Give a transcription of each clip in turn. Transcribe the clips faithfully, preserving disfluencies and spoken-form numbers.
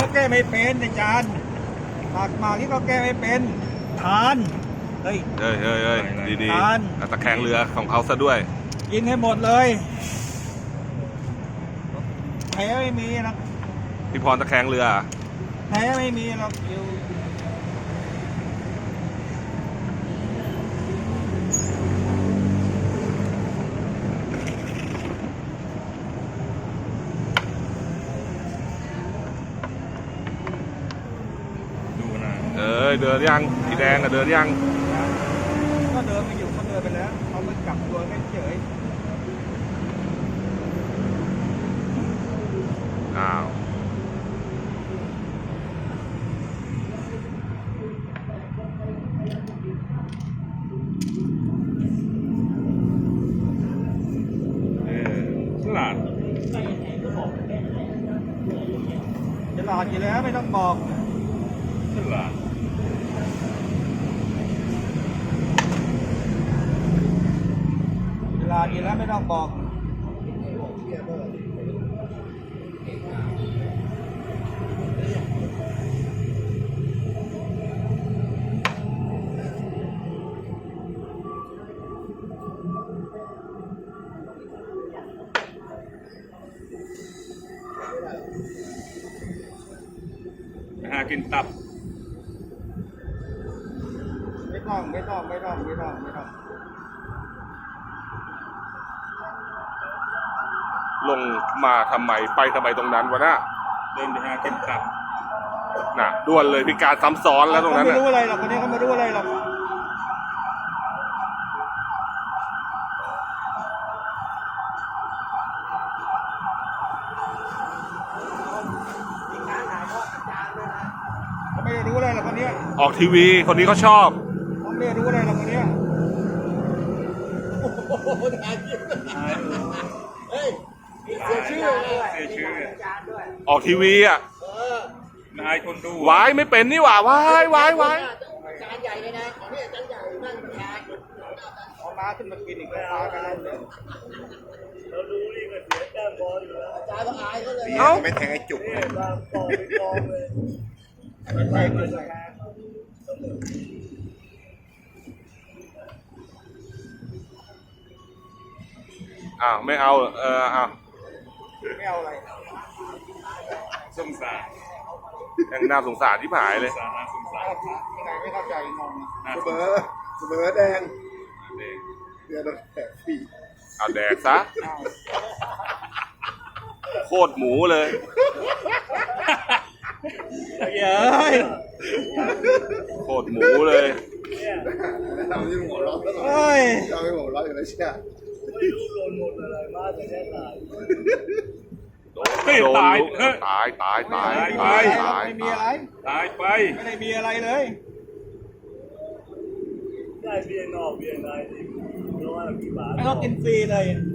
แก้ไม่เป็นอาจารย์ผักหมากที่เขาแก้ไม่เป็นทานเฮ้ยเฮ้ยเฮ้ยเฮ้ยดีดีทานตะแคงเรือของเขาซะด้วยกินให้หมดเลยแพ้ไม่มีนะพี่พรตะแคงเรือแพ้ไม่มีหรอกอยู่ดูนะเอ้ยเดินยังสีแดงอะเดินยังก็เดินไปอยู่เขาเดินไปแล้วเขาไปกลับตัวไม่เฉยอ้าวเออฉลาดฉลาดอยู่แล้วไม่ต้องบอกฉลาดฉลาดอยู่แล้วไม่ต้องบอกไปหากินตับไม่ต้องไม่ต้องไม่ต้องไม่ต้องไม่ต้องลงมาทำไมไปทำไมตรงนั้นวะน่ะเดินไปหากินตับน่ะด่วนเลยพิการซ้ำซ้อนแล้วตรงนั้นเขาไม่น่ะรู้อะไรหรอกคนนี้เขาไม่รู้อะไรหรอกเขาไม่ได้รู้อะไรหรอกคนนี้ออกทีวีคนนี้เขาชอบเขาไม่ได้รู้อะไรหรอกคนนี้เฮ้ยเสียชื่อเสียชื่อออกทีวีอ่ะนายคนดูวายไม่เป็นนี่หว่าวายวายวายจานใหญ่เลยนะของนี่จานใหญ่นั่งประธานเอามาขึ้นมากินอีกแล้วพากันแล้วเนี่ยเราดูนี่ก็เสียแต้มบอลอยู่แล้วอาจารย์ก็อายเขาเลยเอ้าไม่แทงไอ้จุกนี่บางกองไปกองเลยไม่ใช่ไม่ใช่อ้าวไม่เอาเอออ้าวไม่เอาอะไรสงสารยังน่าสงสารที่ผายเลยสงสารน่าสงสารยังไงไม่เข้าใจงงน่าเสสมงอสารเสมอแดงเด็กเดือนละแปดปีเอาแดกซะอ้าวโคตรหมูเลยเย้ยโคตรหมูเลยเราที่หัวเราะตลอดเฮ้ยเราไม่หัวเราะอยู่แล้วเชี่ยไม่รู้โดนหมดอะไรมาแต่แค่ตายเฮ้ยโดนตายลูกเฮ้ยตายตายตายตาตาย ยไปตายไม่มีอะไรตายไปไม่ได้มีอะไรเลยได้เบียร์นอกเบียร์ในที่ร้อยกี่บาทไม่ต้องกินฟรีเลย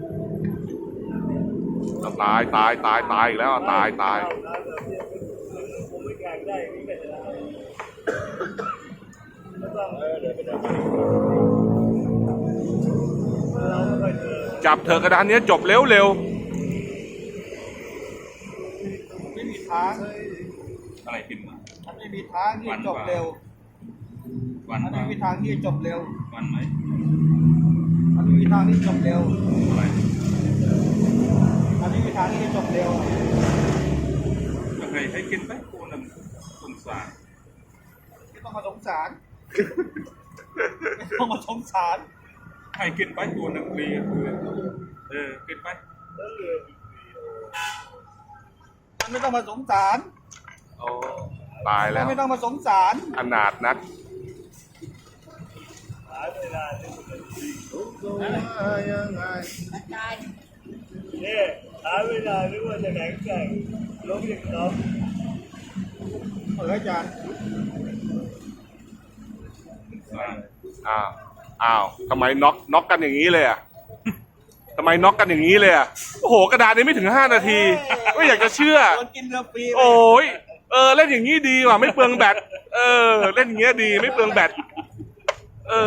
ตายตายตายตายอีกแล้วอ่ะตายตายผมไม่แข่งได้ไม่เป็นไรไม่ต้องเออเดินไปเดินไปเราไม่ค่อยเจอจับเธอกระดานเนี้ยจบเร็วเร็วไม่มีทางอะไรกินมามันไม่มีทางที่จะจบเร็ววันมันเปไม่ล่ามีทางที่จะจบเร็ววันไหมมันไม่มีทางที่จะจบเร็วอะไรมันไม่มีทางที่จะจบเร็วก็เคยให้กินไปกูนึงสงสารไม่ต้องมาสงสาร ไม่ต้องมาสงสารให้กินไปตัวหนึ่งฟรีคือเออกินไปมันไม่ต้องมาสงสารโอ้ตายแล้วไม่ต้องมาสงสารอนาถนักหาเวลาที่มันดียังไงเนี่ยหาเวลาหรือว่าจะแข่งแข่งลบอย่างน้องเอออาจารย์สงสารอ้าวอ้าวทำไมน็อกน็อกกันอย่างนี้เลยอ่ะทำไมน็อกกันอย่างนี้เลยอ่ะโอ้โหกระดานนี้ไม่ถึงห้านาทีไม่อยากจะเชื่อโดนกินเรือฟรีไปโอ้ยเออเล่นอย่างนี้ดีว่ะไม่เปลืองแบตเออเล่นอย่างเงี้ยดีไม่เปลืองแบต